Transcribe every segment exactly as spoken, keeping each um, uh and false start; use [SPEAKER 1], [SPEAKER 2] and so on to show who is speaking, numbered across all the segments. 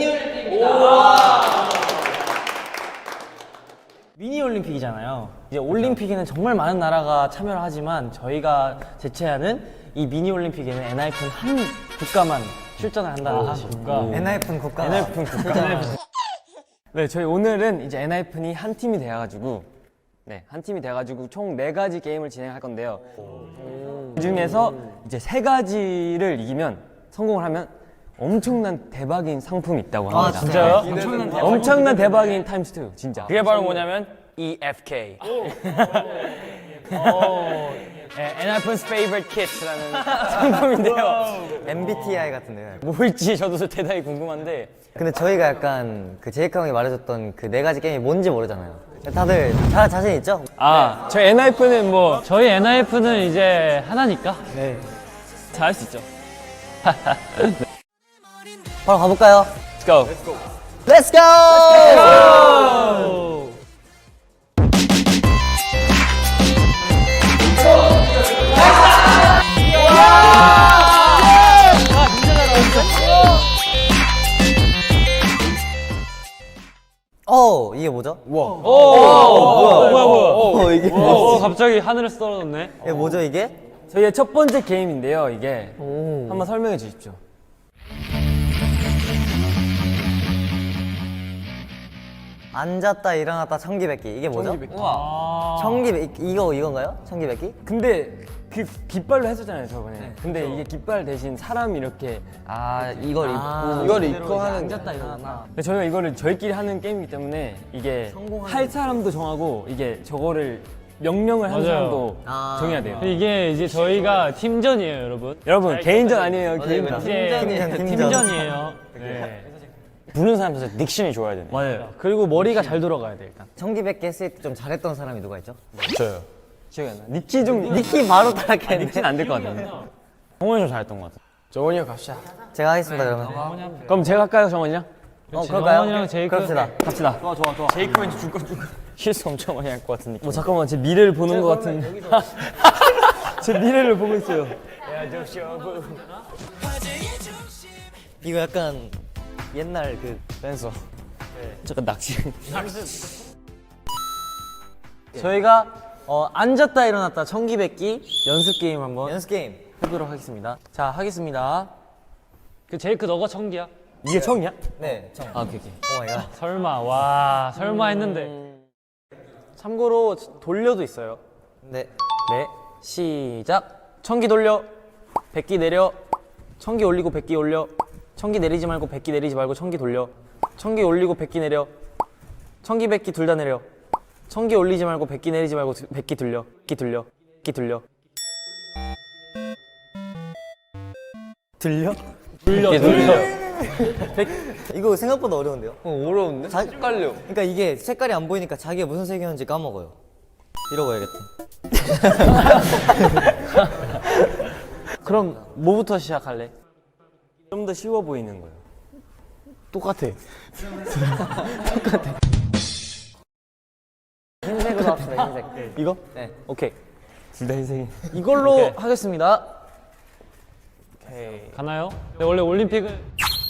[SPEAKER 1] 미니 올림픽이잖아요. 이제 올림픽에는 정말 많은 나라가 참여를 하지만 저희가 제체하는 이 미니 올림픽에는 엔하이픈 한 국가만 출전을 한다는 것이.
[SPEAKER 2] 엔하이픈 국가.
[SPEAKER 1] 엔하이픈 국가. 네, 저희 오늘은 이제 엔하이픈이 한 팀이 돼가지고, 네, 한 팀이 돼가지고 총 네 가지 게임을 진행할 건데요. 그 중에서 이제 세 가지를 이기면 성공을 하면 엄청난 대박인 상품이 있다고 합니다.
[SPEAKER 2] 아, 진짜요?
[SPEAKER 1] 엄청난, 대박. 엄청난 대박인 타임스 투, 진짜. 그게 바로 뭐냐면 이에프케이. 엔하이픈's favorite kit라는 상품인데요.
[SPEAKER 2] 엠비티아이 같은데요.
[SPEAKER 1] 뭘지 저도 대단히 궁금한데.
[SPEAKER 2] 근데 저희가 약간 그 제이크 형이 말해줬던 그 네 가지 게임이 뭔지 모르잖아요. 다들 잘 자신 있죠?
[SPEAKER 1] 아, 저희 엔하이픈은 뭐
[SPEAKER 3] 저희 엔하이픈은 이제 하나니까.
[SPEAKER 1] 네, 잘할 수 있죠.
[SPEAKER 2] 바로 가볼까요?
[SPEAKER 1] Let's go.
[SPEAKER 2] Let's go! 어, 이게 뭐죠?
[SPEAKER 3] 오, 뭐야, 뭐야, 뭐야.
[SPEAKER 2] 어, 이게
[SPEAKER 3] 오, 갑자기 하늘에서 떨어졌네.
[SPEAKER 2] 이게 뭐죠, 이게?
[SPEAKER 1] 저희의 첫 번째 게임인데요. 이게 한번 설명해 주십시오.
[SPEAKER 2] 앉았다 일어났다 청기백기 이게 뭐죠?
[SPEAKER 1] 우와.
[SPEAKER 2] 청기백기 이거 이건가요? 청기백기?
[SPEAKER 1] 근데 그 깃발로 했었잖아요, 저번에. 근데 이게 깃발 대신 사람이 이렇게
[SPEAKER 2] 아 이걸 입고
[SPEAKER 1] 이걸 입고 하는.
[SPEAKER 2] 앉았다 일어났다.
[SPEAKER 1] 근데 저희가 이거를 저희끼리 하는 게임이기 때문에 이게 할 사람도 정하고 이게 저거를 명령을 하는
[SPEAKER 3] 맞아요.
[SPEAKER 1] 사람도
[SPEAKER 2] 아.
[SPEAKER 1] 정해야 돼요.
[SPEAKER 3] 이게 이제 저희가 팀전이에요, 여러분.
[SPEAKER 1] 여러분 개인전 아니에요, 개인전.
[SPEAKER 3] 이제
[SPEAKER 2] 팀전, 팀전.
[SPEAKER 3] 팀전이에요. 네.
[SPEAKER 1] 부는 사람 진짜 닉션이 좋아야 되네.
[SPEAKER 3] 맞아요.
[SPEAKER 1] 그리고 머리가 잘 돌아가야 돼 일단.
[SPEAKER 2] 청기백기 했을 때 좀 잘했던 사람이 누가 있죠?
[SPEAKER 1] 저요. 기억이 안 나. 니키 좀
[SPEAKER 2] 니키 바로 따라했는데
[SPEAKER 1] 니키는 안 될 것 같은데. 정원이 좀 잘했던 것 같아. 정원이 형 갑시다.
[SPEAKER 2] 제가 하겠습니다 그러면.
[SPEAKER 1] 그럼 제가 할까요, 정원이 형?
[SPEAKER 2] 어 그럴까요?
[SPEAKER 3] 정원이랑 제이크.
[SPEAKER 2] 그럽시다.
[SPEAKER 1] 갑시다. 좋아, 좋아, 좋아. 제이크 왠지 중간중간 실수 엄청 많이 할 것 같은 느낌. 뭐 잠깐만, 제 미래를 보는 것 같은. 제 미래를 보고 있어요.
[SPEAKER 2] 이거 약간 옛날 그
[SPEAKER 1] 댄서. 잠깐 낚시. 저희가 어, 앉았다 일어났다 청기백기 연습 게임 한번
[SPEAKER 2] 연습 게임.
[SPEAKER 1] 해보도록 하겠습니다. 자, 하겠습니다.
[SPEAKER 3] 그 제이크 너가 청기야?
[SPEAKER 1] 이게 처음이야?
[SPEAKER 2] 네. 청.
[SPEAKER 1] 아, 오케이, 오케이.
[SPEAKER 2] 오 마이 갓.
[SPEAKER 3] 설마, 와, 설마 했는데.
[SPEAKER 1] 참고로 돌려도 있어요.
[SPEAKER 2] 네.
[SPEAKER 1] 네, 시작. 청기 돌려, 백기 내려, 청기 올리고 백기 올려, 청기 내리지 말고 백기 내리지 말고 청기 돌려, 청기 올리고 백기 내려, 청기 백기 둘 다 내려, 청기 올리지 말고 백기 내리지 말고 두- 백기 돌려, 백기 돌려, 백기 돌려.
[SPEAKER 2] 들려?
[SPEAKER 3] 돌려, 돌려.
[SPEAKER 2] 이거 생각보다 어려운데요?
[SPEAKER 1] 어려운데?
[SPEAKER 2] 자, 헷갈려. 그러니까 이게 색깔이 안 보이니까 자기가 무슨 색이었는지 까먹어요. 이러고 해야겠다.
[SPEAKER 1] 그럼 뭐부터 시작할래? 좀 더 쉬워 보이는 거예요. 똑같아.
[SPEAKER 2] 흰색으로 합시다. 흰색.
[SPEAKER 1] 이거?
[SPEAKER 2] 네.
[SPEAKER 1] 오케이. 둘 다 흰색이. 이걸로 하겠습니다. 오케이.
[SPEAKER 3] 가나요? 네, 원래 올림픽은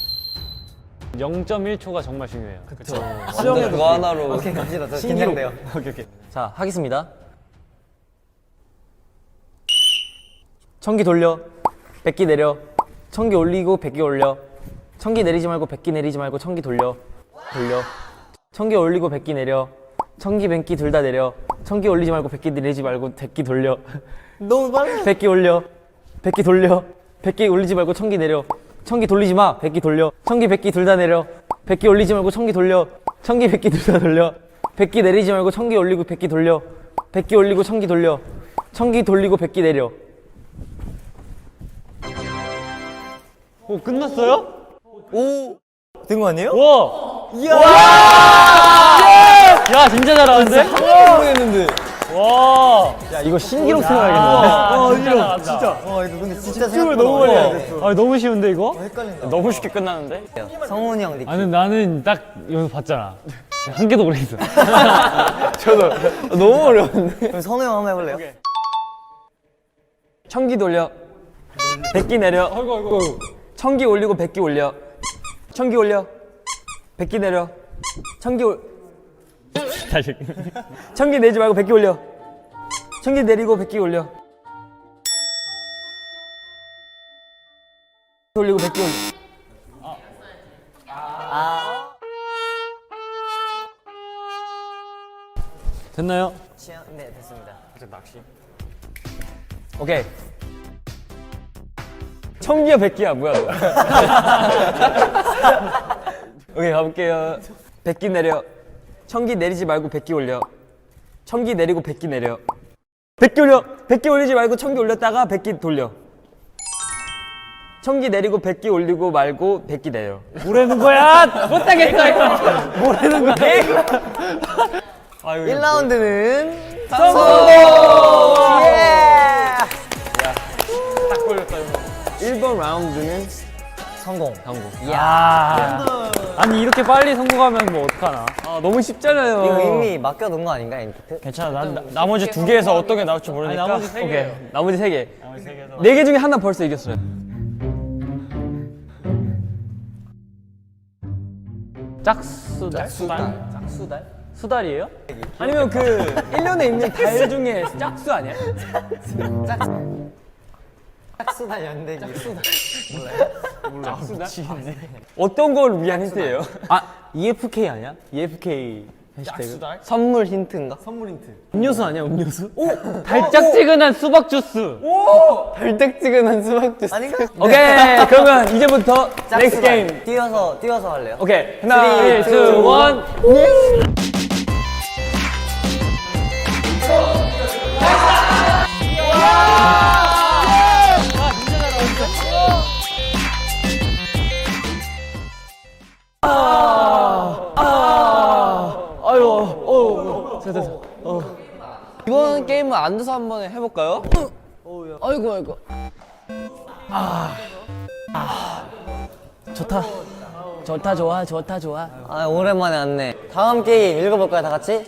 [SPEAKER 3] 영 점 일 초가 정말 중요해요. 그렇죠.
[SPEAKER 1] 수영에도 그거 하나로.
[SPEAKER 2] 오케이 갑시다. 저
[SPEAKER 1] 신기록.
[SPEAKER 2] 긴장돼요.
[SPEAKER 1] 오케이, 오케이. 자, 하겠습니다. 청기 돌려, 백기 내려, 청기 올리고 백기 올려, 청기 내리지 말고 백기 내리지 말고 청기 돌려, 돌려, 청기 올리고 백기 내려, 청기 백기 둘 다 내려, 청기 올리지 말고 백기 내리지 말고 백기 돌려,
[SPEAKER 2] 너무 빨라.
[SPEAKER 1] 백기 올려, 백기 돌려, 백기 올리지 말고 청기 내려, 청기 돌리지 마, 백기 돌려, 청기 백기 둘 다 내려, 백기 올리지 말고 청기 돌려, 청기 백기 둘 다 돌려, 백기 내리지 말고 청기 올리고 백기 돌려, 백기 올리고 청기 돌려, 청기 돌리고 백기 내려.
[SPEAKER 3] 오, 끝났어요?
[SPEAKER 2] 오. 된 거 아니에요?
[SPEAKER 3] 와!
[SPEAKER 2] 이야.
[SPEAKER 3] 야, 진짜 잘하는데?
[SPEAKER 2] 모르겠는데.
[SPEAKER 3] 와!
[SPEAKER 1] 야, 이거 신기록 세워야겠는데.
[SPEAKER 3] 아, 진짜. 진짜.
[SPEAKER 2] 와 이거 근데 진짜 생각보다 너무 많이 안
[SPEAKER 3] 아, 너무 쉬운데, 이거?
[SPEAKER 2] 헷갈린다.
[SPEAKER 1] 너무 쉽게 끝나는데?
[SPEAKER 2] 성훈이 형 느낌.
[SPEAKER 3] 아니, 나는 딱 여기 봤잖아. 한 개도 모르겠어.
[SPEAKER 1] 너무 어려운데?
[SPEAKER 2] 그럼 성우 형 한번 해볼래요?
[SPEAKER 1] 청기 돌려, 백기 내려, 청기 올리고 백기 올려, 청기 올려,
[SPEAKER 4] 백기 내려. 청기 올.
[SPEAKER 3] 다시.
[SPEAKER 4] 청기 내지 말고 백기 올려. 청기 내리고 백기 올려. 올리고 백기 올려.
[SPEAKER 3] 됐나요?
[SPEAKER 2] 네, 됐습니다.
[SPEAKER 4] 오케이. 청기야 백기야 뭐야 너. 오케이 가볼게요. 백기 내려. 청기 내리지 말고 백기 올려. 청기 내리고 백기 내려. 백기 올려. 백기 올리지 말고 청기 올렸다가 백기 돌려. 청기 내리고 백기 올리고 말고 백기 내려.
[SPEAKER 3] 뭐라는 거야? 못하겠어 이거. 뭐라는 거야?
[SPEAKER 2] 일 라운드는
[SPEAKER 4] 성공!
[SPEAKER 2] 예!
[SPEAKER 4] 일 번 라운드는
[SPEAKER 2] 성공.
[SPEAKER 4] 성공.
[SPEAKER 3] 야. 아니 이렇게 빨리 성공하면 뭐 어떡하나?
[SPEAKER 4] 아 너무 쉽잖아요.
[SPEAKER 2] 이거 이미 맡겨놓은 거 아닌가, 인기트?
[SPEAKER 4] 괜찮아. 나, 나, 나머지 두 개에서 어떤 게 나올지 모르니까.
[SPEAKER 3] 아니, 나머지 세
[SPEAKER 4] 오케이.
[SPEAKER 3] 개예요.
[SPEAKER 4] 나머지 세 개.
[SPEAKER 3] 나머지 세 개에서
[SPEAKER 4] 네 개 중에 하나 벌써 이겼어요.
[SPEAKER 3] 짝수달? 수달? 짝수달? 수달이에요?
[SPEAKER 4] 아니면 그 일 년에 있는 달 중에 짝수 아니야?
[SPEAKER 2] 짝수다 연대기.
[SPEAKER 4] 어떤 걸 위한 힌트예요? 아 이에프케이 아니야? 이에프케이 해시태그. 선물 힌트인가? 선물 힌트. 음료수 아니야 음료수? 오!
[SPEAKER 3] 달짝지근한 수박 주스.
[SPEAKER 4] 달짝지근한 수박 주스.
[SPEAKER 2] 아닌가?
[SPEAKER 4] 오케이 그러면 이제부터 넥스트 게임.
[SPEAKER 2] 뛰어서, 뛰어서 할래요?
[SPEAKER 4] 오케이 하나
[SPEAKER 3] 쓰리, 투, 원.
[SPEAKER 4] 아유 어 됐어 됐어. 어. 이번 게임은 앉아서 한번 해볼까요? 아이고 아이고. 아, 아 좋다. 좋다 좋아 좋다 좋아.
[SPEAKER 2] 아, 오랜만에 왔네. 다음 게임 읽어볼까요, 다 같이?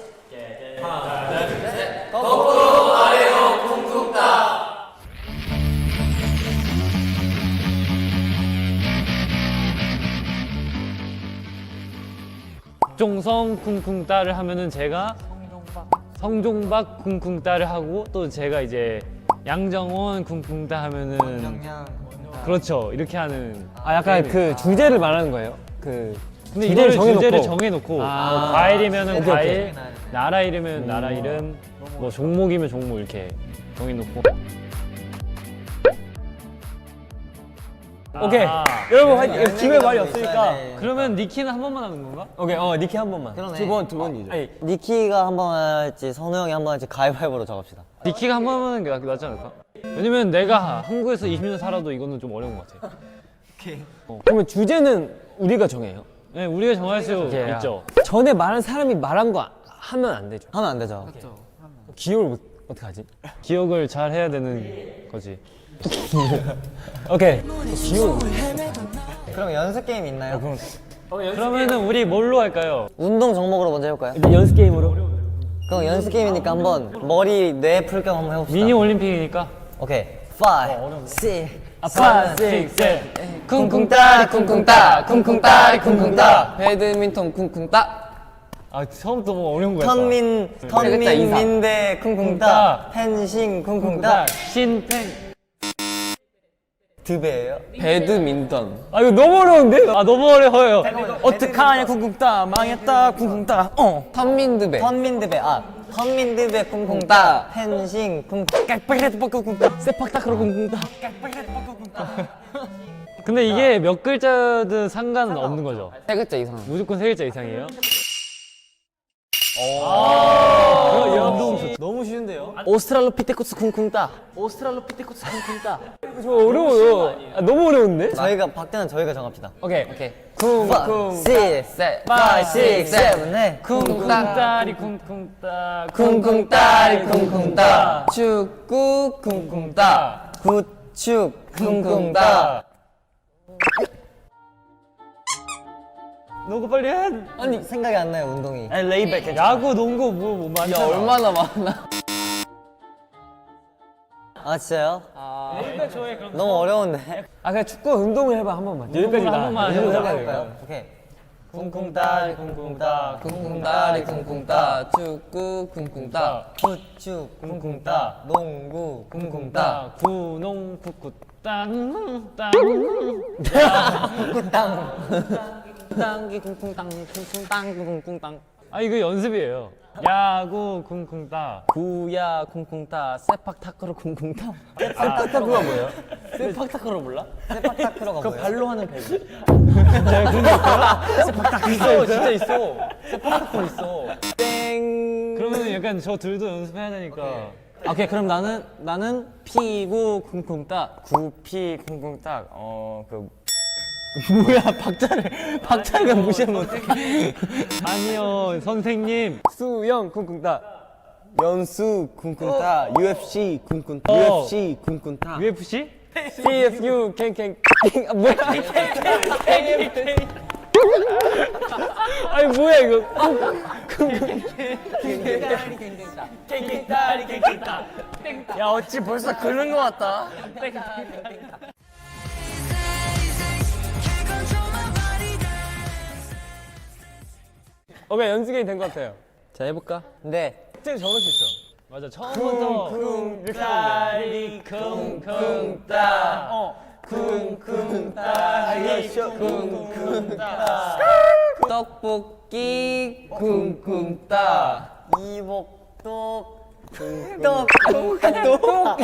[SPEAKER 3] 종성 쿵쿵따를 하면은 제가 성종박 쿵쿵따를 하고 또 제가 이제 양정원 쿵쿵따 하면은 그렇죠 이렇게 하는.
[SPEAKER 4] 아 약간 그 주제를 말하는 거예요? 그
[SPEAKER 3] 근데
[SPEAKER 4] 주제를
[SPEAKER 3] 이거를
[SPEAKER 4] 정해놓고.
[SPEAKER 3] 주제를 정해놓고
[SPEAKER 4] 아.
[SPEAKER 3] 뭐 과일이면은
[SPEAKER 4] 오케이,
[SPEAKER 3] 과일, 나라 이름이면 나라 이름, 뭐 종목이면 종목 이렇게 정해놓고.
[SPEAKER 4] 오케이
[SPEAKER 3] 아.
[SPEAKER 4] 여러분 화이팅. 기회 말이 없으니까.
[SPEAKER 3] 그러면 니키는 한 번만 하는 건가?
[SPEAKER 4] 오케이 어 니키 한 번만.
[SPEAKER 2] 그러네.
[SPEAKER 4] 두 번 두 번이죠. 아니
[SPEAKER 2] 니키가 한 번 할지, 선우 형이 한 번 할지 가위바위보로 정합시다.
[SPEAKER 3] 니키가 한 번 하는 게 낫- 낫지 않을까? 왜냐면 내가 한국에서 이십 년 살아도 이거는 좀 어려운 것 같아.
[SPEAKER 4] 그러면 주제는 우리가 정해요.
[SPEAKER 3] 네, 우리가 정할 수
[SPEAKER 4] 오케이.
[SPEAKER 3] 있죠.
[SPEAKER 4] 전에 말한 사람이 말한 거 하면 안 되죠.
[SPEAKER 2] 하면 안 되죠?
[SPEAKER 4] 기억을 못, 어떻게 하지?
[SPEAKER 3] 기억을 잘 해야 되는 거지.
[SPEAKER 4] 오케이. 기억.
[SPEAKER 2] 그럼 연습 게임 있나요?
[SPEAKER 3] 그러면은 우리 뭘로 할까요?
[SPEAKER 2] 운동 종목으로 먼저 해볼까요?
[SPEAKER 4] 일단 연습 게임으로.
[SPEAKER 2] 그럼 연습 게임이니까 한번 머리 뇌 풀 겸 한번 해봅시다.
[SPEAKER 3] 미니 올림픽이니까.
[SPEAKER 2] 오케이. 파이브, 식스,
[SPEAKER 3] 파, 식, 셋.
[SPEAKER 4] 쿵쿵따리 쿵쿵따 쿵쿵따리 쿵쿵따 배드민턴 쿵쿵따.
[SPEAKER 3] 아 처음부터 뭐 어려운 거야.
[SPEAKER 2] 턴민, 턴민, 민대, 쿵쿵따, 펜싱, 쿵쿵따,
[SPEAKER 3] 신팽.
[SPEAKER 2] 드베예요?
[SPEAKER 4] 배드민턴.
[SPEAKER 3] 아 이거 너무 어려운데? 아 너무 어려워요.
[SPEAKER 4] 어떡하냐 쿵쿵따 망했다 쿵쿵따. 어. 턴민드배.
[SPEAKER 2] 턴민드베, 아, 턴민드베, 쿵쿵따, 펜싱, 쿵쿵따.
[SPEAKER 4] 깍빡이라도 쿵쿵따. 세팍타크로 쿵쿵따.
[SPEAKER 3] 근데 이게 몇 글자든 상관은 없는 거죠.
[SPEAKER 4] 세 글자 이상.
[SPEAKER 3] 무조건 세 글자 이상이에요. 아, 이 운동 좋다.
[SPEAKER 4] 너무 쉬운데요? 오스트랄로피테쿠스 쿵쿵따. 오스트랄로피테쿠스 쿵쿵따. 저 어려워요. 아, 너무 어려운데?
[SPEAKER 2] 저희가, 박대는 저희가 정합시다.
[SPEAKER 4] 오케이 오케이.
[SPEAKER 2] 파이브, 식스,
[SPEAKER 4] 셋.
[SPEAKER 2] 파이브, 식스, 세븐, 넷.
[SPEAKER 3] 쿵쿵따리 쿵쿵따
[SPEAKER 4] 쿵쿵따리 쿵쿵따. 축구 쿵쿵따.
[SPEAKER 2] 구축, 쿵쿵따.
[SPEAKER 3] 너가 빨리 해.
[SPEAKER 2] 아니, 생각이 안 나요, 운동이.
[SPEAKER 4] 아니 레이백.
[SPEAKER 3] 야구, 농구 뭐, 뭐 많잖아.
[SPEAKER 4] 얼마나 많아.
[SPEAKER 2] 아, 진짜요?
[SPEAKER 3] 여기까지 좋아해 그럼.
[SPEAKER 2] 너무 어려운데.
[SPEAKER 4] 아 그냥 축구 운동을 해봐 한 번만. 여기까지
[SPEAKER 3] 한
[SPEAKER 4] 나.
[SPEAKER 3] 번만
[SPEAKER 4] 이 정도
[SPEAKER 3] 해보자.
[SPEAKER 4] 해봐,
[SPEAKER 2] 해볼까요?
[SPEAKER 4] 이거.
[SPEAKER 2] 오케이. 쿵쿵따리 쿵쿵따 쿵쿵따리 쿵쿵따 축구 쿵쿵따 후추 쿵쿵따 농구 쿵쿵따
[SPEAKER 3] 구농 푸쿠 땅 땅.
[SPEAKER 1] 땅기 쿵쿵땅 쿵쿵땅 쿵쿵땅.
[SPEAKER 3] 아 이거 연습이에요. 야구 쿵쿵따.
[SPEAKER 1] 구야 쿵쿵따 세팍 타크로 쿵쿵따.
[SPEAKER 3] 아,
[SPEAKER 1] 타크로가 뭐예요? 세팍 타크로 몰라?
[SPEAKER 2] 세팍 타크로가
[SPEAKER 1] 그
[SPEAKER 2] 뭐예요?
[SPEAKER 1] 발로 하는 배구. 세팍 타크 있어, 진짜 있어. 세팍 타크 있어. 땡.
[SPEAKER 3] 그러면 약간 저 둘도 연습해야 되니까.
[SPEAKER 1] 아, 오케이, 그럼 나는 나는 피구 쿵쿵따.
[SPEAKER 4] 구피 쿵쿵딱 어그
[SPEAKER 1] 뭐야, 박자를 박자를 무시하면 어떡해?
[SPEAKER 3] 아니요 선생님.
[SPEAKER 4] 수영 쿵쿵딱
[SPEAKER 2] 연수 쿵쿵따 유에프씨 쿵쿵따
[SPEAKER 3] 어.
[SPEAKER 2] 유에프씨 쿵쿵따
[SPEAKER 3] 유에프씨?
[SPEAKER 4] 씨에프유 캥캥 아 뭐야 아니 뭐야 이거 야 어찌 벌써 그런 거 같다 오케이 연습이 된 것 같아요
[SPEAKER 1] 자, 해볼까?
[SPEAKER 2] 근데
[SPEAKER 4] 진짜 적을 수 있어
[SPEAKER 3] 맞아 처음부터
[SPEAKER 4] 쿵쿵따리 쿵쿵따 어 쿵쿵따리 쿵쿵따
[SPEAKER 2] 떡볶이 쿵쿵따 이복떡 쿵떡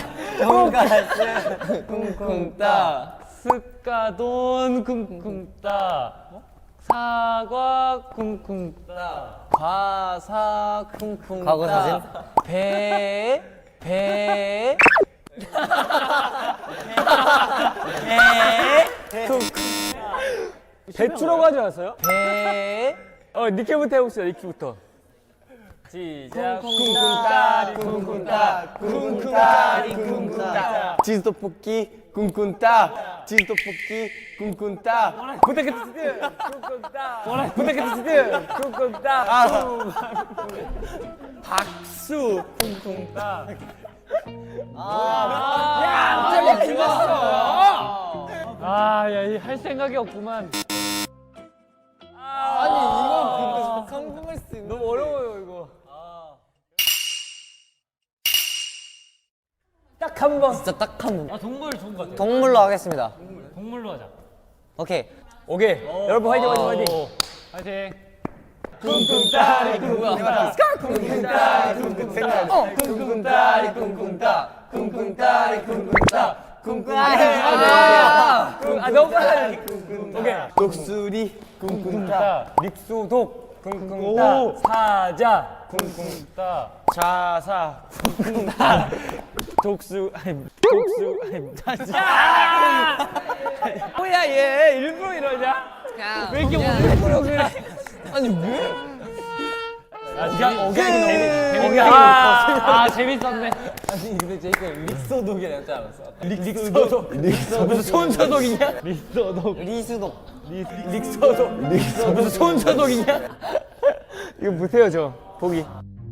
[SPEAKER 2] 돈가스 쿵쿵따
[SPEAKER 3] 스카돈 쿵쿵따 사과 쿵쿵따
[SPEAKER 1] 과사 쿵쿵따.
[SPEAKER 2] 과거 사진?
[SPEAKER 1] 배, 배.
[SPEAKER 4] 배추라고 하지 않았어요?
[SPEAKER 1] 배.
[SPEAKER 4] 어 니키부터 해봅시다 니키부터 시작 쿵쿵따리 쿵쿵따 쿵쿵따리 쿵쿵따
[SPEAKER 2] 치즈떡볶이 쿵쿵따 치즈떡볶이 쿵쿵따
[SPEAKER 4] 부탁해주세요 쿵쿵따 부탁해주세요 쿵쿵따 박수 쿵쿵따 야 진짜 죽었어
[SPEAKER 3] 아야 할 생각이 없구만.
[SPEAKER 2] 아니 이건 근데 성공할 수 있는
[SPEAKER 4] 너무 어려워요 이거 딱 한 번
[SPEAKER 2] 진짜 딱 한 번
[SPEAKER 3] 아 동물 좋은 것 같아.
[SPEAKER 2] 동물로 하겠습니다
[SPEAKER 3] 동물로 하자.
[SPEAKER 2] 오케이
[SPEAKER 4] 오케이 여러분 화이팅 화이팅 화이팅
[SPEAKER 3] 오, 화이팅.
[SPEAKER 4] 쿵쿵따리 쿵쿵따 쿵쿵따리 쿵쿵따 어 쿵쿵따리 쿵쿵따 쿵쿵따리 쿵쿵따 쿵쿵따리 아 너무 빨라 오케이 독수리 쿵쿵따 믹소독 쿵쿵따 사자 쿵쿵따 자사 쿵쿵따 독수 아니 독수 아니 야 뭐야 얘 일부러 이러냐 왜 이렇게 일부러 그래 아니 왜?
[SPEAKER 3] 아 재미 오케이 재미 재미.
[SPEAKER 4] 아,
[SPEAKER 3] 아 재밌었네.
[SPEAKER 1] 아니, 근데 제이크 릭소독이라 했지 않았어?
[SPEAKER 4] 릭소독 릭소독 무슨 손소독이냐?
[SPEAKER 3] 리서독.
[SPEAKER 2] 리수독
[SPEAKER 4] 릭소독 릭소 무슨 손소독이냐? 이거 못해요 저 보기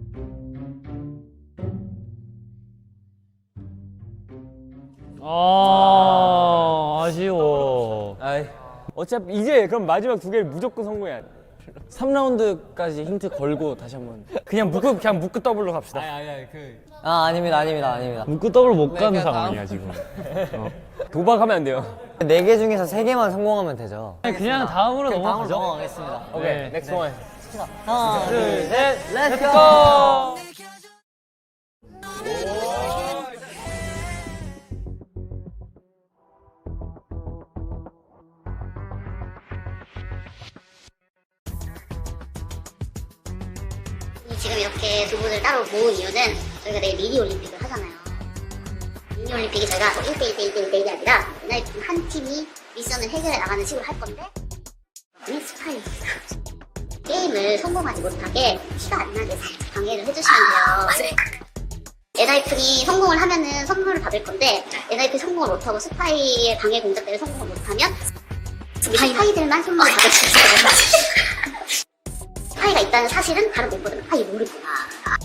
[SPEAKER 3] 아 아쉬워.
[SPEAKER 1] 아이,
[SPEAKER 4] 어차피 이제 그럼 마지막 두 개를 무조건 성공해야 돼
[SPEAKER 1] 삼 라운드까지 힌트 걸고 다시 한번.
[SPEAKER 4] 그냥 묶고 그냥 묶고 더블로 갑시다
[SPEAKER 2] 아 아닙니다 아닙니다 아닙니다
[SPEAKER 3] 묶고 더블 못 가는 상황이야 지금.
[SPEAKER 4] 도박하면 안 돼요
[SPEAKER 2] 네 개 중에서 세 개만 성공하면 되죠
[SPEAKER 3] 아니, 그냥 다음으로 넘어가죠.
[SPEAKER 2] 넘어가겠습니다
[SPEAKER 3] 네.
[SPEAKER 4] 넥스트 원
[SPEAKER 2] 하나 둘셋 렛츠고
[SPEAKER 5] 지금 이렇게 두 분을 따로 모은 이유는 저희가 내일 미니 올림픽을 하잖아요. 미니 올림픽이 저희가 일 대 일 대 일 대 일 대 일이 아니라 맨날 한 팀이 미션을 해결해 나가는 식으로 할 건데 이 스파이 게임을 성공하지 못하게 티가 안 나게 살짝 방해를 해주시면 돼요. 엔하이픈이 성공을 하면은 선물을 받을 건데 엔하이픈이 성공을 못하고 스파이의 방해 공작 때문에 성공을 못하면 스파이들만 선물을 받을 수 있어요. 스파이가 있다는 사실은 바로 못 보던 스파이 모르구나.